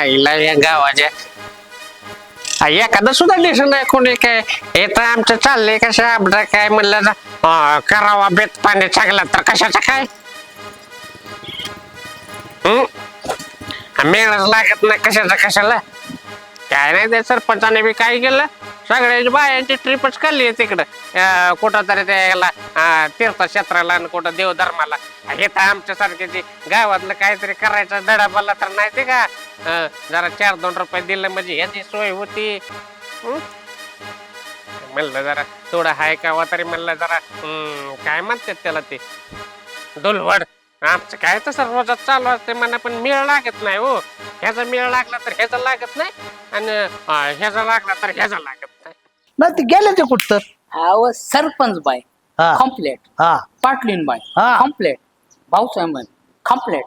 आईला या गावाच्या एखादं सुद्धा दिसत नाही कोणी काय येतं आमचं चाललंय कसं आपलं काय म्हणलं करावा बेत पाणी चांगला तर कशाचं काय मेळच लागत नाही कशाचं कशाला काय नाही ते सरपंचाने बी काय केलं सगळ्याची बायांची ट्रिपच काढली तिकडं कुठं तरी त्याला तीर्थक्षेत्राला आणि कुठं देवधर्माला हे तर आमच्यासारखे ते गावातलं काहीतरी करायचं धडा बोलला तर नाही ते का जरा 4-2 रुपये दिलं म्हणजे ह्याची सोय होती म्हणलं जरा थोडं हाय का तरी म्हणलं जरा काय म्हणतात त्याला ते डोलवड आमचं काय तसं रोजात चालू असते म्हणा पण मेळ लागत नाही हो ह्याचा मेळ लागला तर ह्याचा लागत नाही आणि ह्याचा लागला तर ह्याचा लागत नाही नाही ते गेले ते कुठ तर अहो सरपंच बाय हा. कॉम्प्लेट हा पाटलीन बाय हा. कॉम्प्लेट भाऊसाहेब बाय कॉम्प्लेट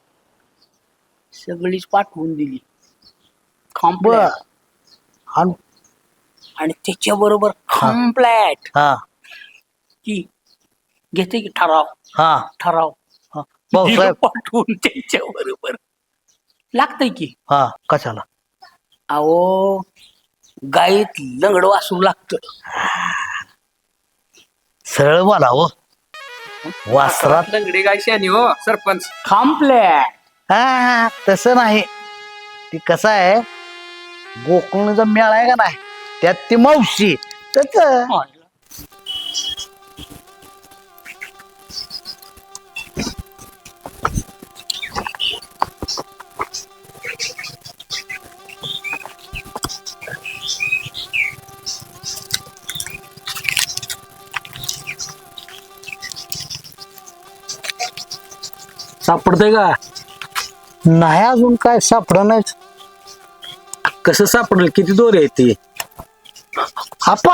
सगळीच पाठवून दिली बर कॉम्प्लेट आणि आणि त्याच्या बरोबर कॉम्प्लेट हा की घेते की ठराव हा ठराव हा. भाऊसाहेब पाठवून त्याच्या बरोबर लागतंय की हा कशाला अहो गाईत लंगड वासरू लागत सरळ बोला हो वासरात लंगडी गाय शानी हो सरपंच कॉम्प्लेट हा तसं नाही ती कसं आहे गोकुळचा मेळ आहे का नाही त्यात ती मावशी त्याच सापडतंय का नाही अजून काय सापडं नाही कसं सापडेल किती दोरे आहेत ते आपा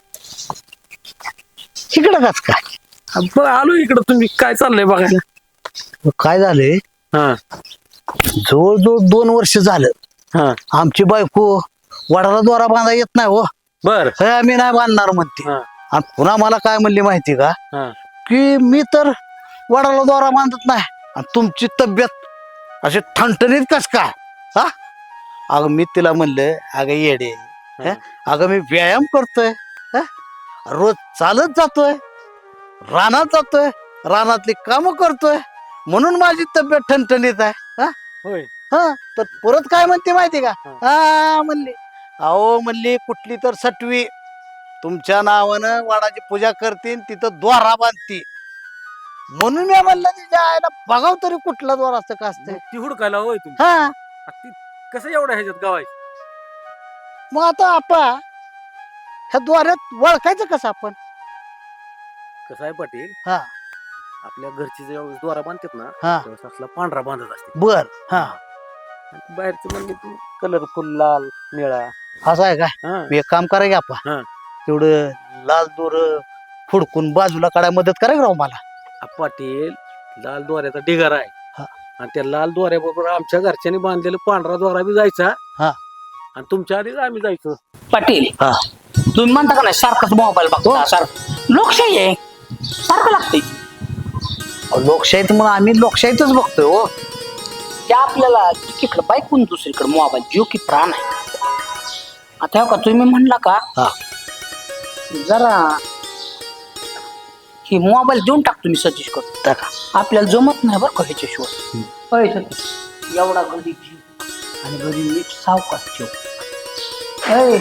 इकडं कस काय बघ आलो इकडं तुम्ही काय चाललंय बघायला काय झालंय हा जवळजवळ 2 वर्ष झालं हा आमची बायको वडाला दोरा बांधा येत नाही हो बर हे आम्ही नाही बांधणार म्हणते हा आणि पुन्हा मला काय म्हणली माहिती का हा की मी तर वडाला दोरा बांधत नाही आणि तुमची तब्येत अशी ठणठणीत कस काय हा अगं मी तिला म्हणलं अगं येडे हं? अगं मी व्यायाम करतोय हं? रोज चालत जातोय रानात जातोय रानातली कामं करतोय म्हणून माझी तब्येत ठणठणीत आहे हा होय हा तर परत काय म्हणते माहिती का हा म्हणली अहो म्हणली कुठली तर सटवी तुमच्या नावानं वाडाची पूजा करतील तिथं द्वारा बांधती म्हणून मी म्हणलं तिच्या आईला बघाव तरी कुठला द्वार असतं का असतं ती हुडकायला होय तुम्ही हा ती कसं एवढं ह्याच्यात गावाय मग आता आपा ह्या द्वारात वळखायचं कसं आपण कसं आहे पाटील हा आपल्या घरची जेव्हा द्वारा बांधतात ना हा तेव्हा असला पांढरा बांधत असते बर हा आणि बाहेरचं म्हणजे तू कलरफुल लाल निळा असं आहे काय हा मी एक काम करा की आपा हा. तेवढं लाल दोर फुडकून बाजूला काढायला मदत करा की राव मला पाटील लाल दोऱ्याचा ढिगार आहे हा. आणि त्या लाल दोऱ्याबरोबर आमच्या घरच्यांनी बांधलेला पांढरा दोरा बी जायचा हा आणि तुमच्या आधीच आम्ही जायचो पाटील हा तुम्ही म्हणता का नाही सारखंच मोबाईल बघतो सारखं लोकशाही आहे सारखं लागतंय अहो, लोकशाहीत म्हणून आम्ही लोकशाहीतच बघतोय हो ते आपल्याला एकीकडे बायकून दुसरीकडे मोबाईल जीव की प्राण आहे आता हो का तुम्ही म्हणला का हा जरा ही मोबाईल देऊन टाकतो मी सजेस्ट करतो टाका. आपल्याला जमत नाही बरं का ह्याच्याशिवाय होय सतीश एवढा गरीब जीव आणि गरीब नीट सावकाश ठेव होय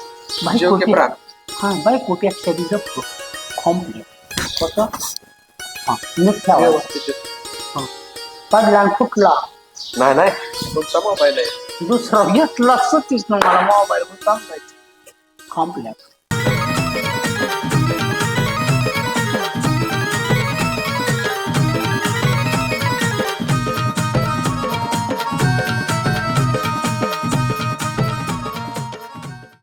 हा बायकोपेक्षा बी जपतो कॉम्प्लेट कसं हा नीट ठेवा पडला आणि फुटला नाही नाही तुमचा मोबाईल आहे दुसरा घेतला सतीश ना मला मोबाईल सांगायचं कॉम्प्लेट